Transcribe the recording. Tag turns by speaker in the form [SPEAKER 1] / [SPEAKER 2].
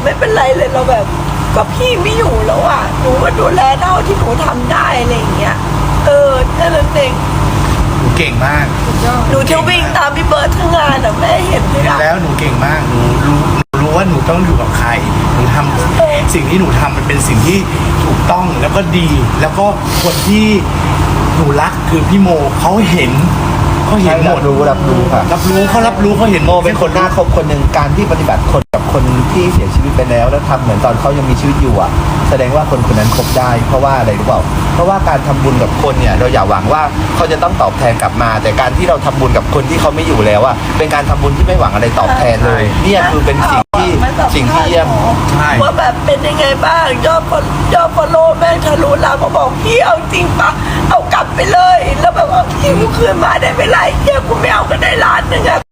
[SPEAKER 1] ไม่เป็นไรเลยเราแบบก็พี่ไม่อยู่แล้วอ่ะหนูก็ดูแลเท่าที่หนูทำได้อะไรอย่างเงี้ยแค่นั้นเอง
[SPEAKER 2] หนูเก่งมาก
[SPEAKER 1] หนูจะวิ่งตามพี่เบิร์ดทั้งงานอ่ะแม่เห็นไหม
[SPEAKER 2] เห็น
[SPEAKER 1] ล่ะ
[SPEAKER 2] แล้วหนูเก่งมากหนูรู้ว่าหนูต้องอยู่กับใครหนูทำสิ่งที่หนูทำมันเป็นสิ่งที่ถูกต้องแล้วก็ดี แล้วก็คนที่หนูรักคือพี่โมเขาเห็นหม
[SPEAKER 3] รั
[SPEAKER 2] ด
[SPEAKER 3] บรู้ค่ะ
[SPEAKER 2] รับรู้เขาเห็น
[SPEAKER 3] โมเป็นคนน่าคบคนหนึ่งการที่ปฏิบัติคนกับคนที่เสียชีวิตไปแล้วทำเหมือนตอนเขายังมีชีวิตอยู่อ่ะแสดงว่าคนคนนั้นคบได้เพราะว่าอะไรรู้เปล่าเพราะว่าการทำบุญกับคนเนี่ยเราอย่าหวังว่าเขาจะต้องตอบแทนกลับมา แต่การที่เราทำบุญกับคนที่เขาไม่อยู่แล้วอ่ะเป็นการทำบุญที่ไม่หวังอะไรตอบแทนเลยเนี่ยคือเป็นสิ่งที่เยี่ยม
[SPEAKER 2] ใช่
[SPEAKER 1] ว่าแบบเป็นยังไงบ้างยอดฟอลโล่แม่งทะลุล้านเขาบอกพี่เอาจริงปะเอากลับไปเลยแล้วแบบว่าพี่กูคืนมาได้ไม่ไรเฮียกูไม่เอาก็ได้ล้านหนึ่งอะ